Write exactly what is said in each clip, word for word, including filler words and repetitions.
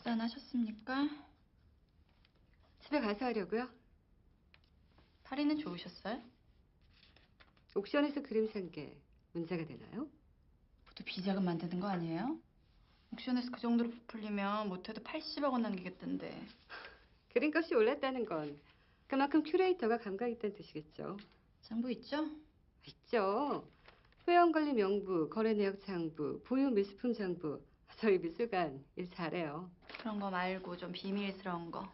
식사는 하셨습니까? 집에 가서 하려고요. 파리는 좋으셨어요? 옥션에서 그림 산 게 문제가 되나요? 모두 비자금 만드는 거 아니에요? 옥션에서 그 정도로 부풀리면 못해도 팔십억 원 남기겠던데. 그림값이 올랐다는 건 그만큼 큐레이터가 감각 있다는 뜻이겠죠. 장부 있죠? 있죠. 회원관리 명부, 거래내역 장부, 보유 미술품 장부. 저희 미술관 일 잘해요. 그런 거 말고 좀 비밀스러운 거.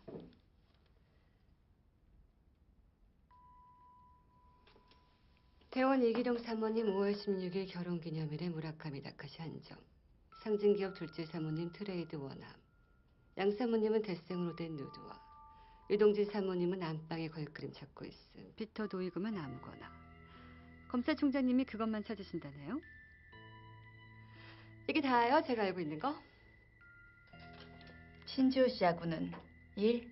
대원 이기룡 사모님 오월 십육일 결혼기념일에 무라카미 다카시 한정. 상징기업 둘째 사모님 트레이드 원함. 양 사모님은 대생으로 된 누드와. 유동진 사모님은 안방에 걸그림 찾고 있음. 피터 도이그만 아무거나. 검사총장님이 그것만 찾으신다네요. 이게 다예요, 제가 알고 있는 거? 신지호 씨하고는 일?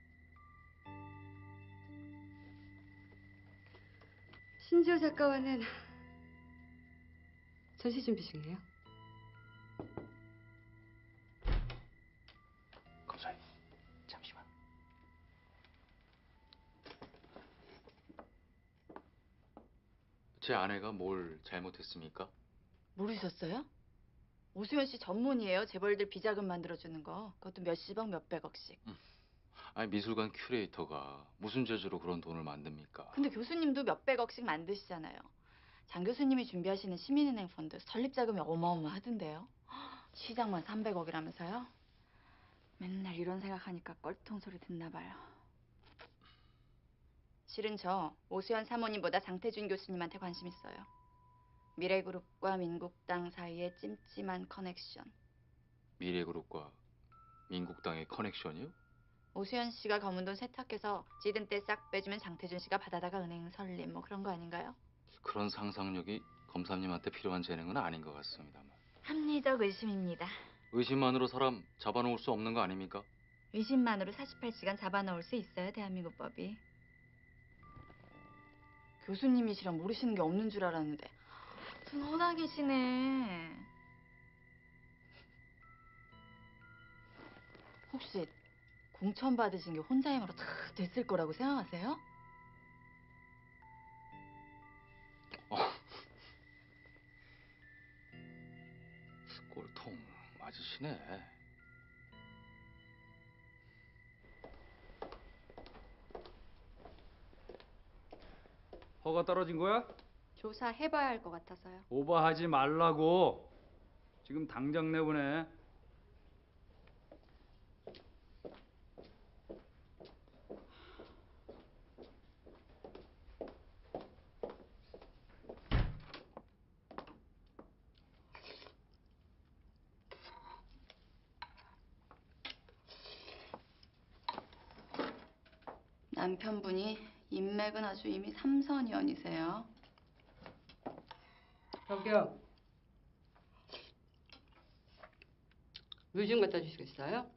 신지호 작가와는 전시 준비 중이에요. 검사님, 잠시만. 제 아내가 뭘 잘못했습니까? 모르셨어요? 오수연 씨 전문이에요. 재벌들 비자금 만들어주는 거. 그것도 몇십억, 몇백억씩. 아니 미술관 큐레이터가 무슨 재주로 그런 돈을 만듭니까? 근데 교수님도 몇백억씩 만드시잖아요. 장 교수님이 준비하시는 시민은행 펀드 설립 자금이 어마어마하던데요. 시장만 삼백억이라면서요? 맨날 이런 생각하니까 껄통 소리 듣나 봐요. 실은 저 오수연 사모님보다 장태준 교수님한테 관심 있어요. 미래그룹과 민국당 사이의 찜찜한 커넥션. 미래그룹과 민국당의 커넥션이요? 오수연 씨가 검은 돈 세탁해서 지든 때 싹 빼주면 장태준 씨가 받아다가 은행 설립 뭐 그런 거 아닌가요? 그런 상상력이 검사님한테 필요한 재능은 아닌 것 같습니다만. 합리적 의심입니다. 의심만으로 사람 잡아놓을 수 없는 거 아닙니까? 의심만으로 사십팔 시간 잡아넣을 수 있어요, 대한민국 법이. 교수님이시랑 모르시는 게 없는 줄 알았는데 전 허당이시네. 혹시 공천 받으신 게 혼자 힘으로 다 됐을 거라고 생각하세요? 어. 꼴통 맞으시네. 허가 떨어진 거야? 조사해봐야 할 것 같아서요. 오버하지 말라고. 지금 당장 내보내. 남편분이 인맥은 아주 이미 삼선연이세요. 저기요. 물 좀 갖다 주시겠어요?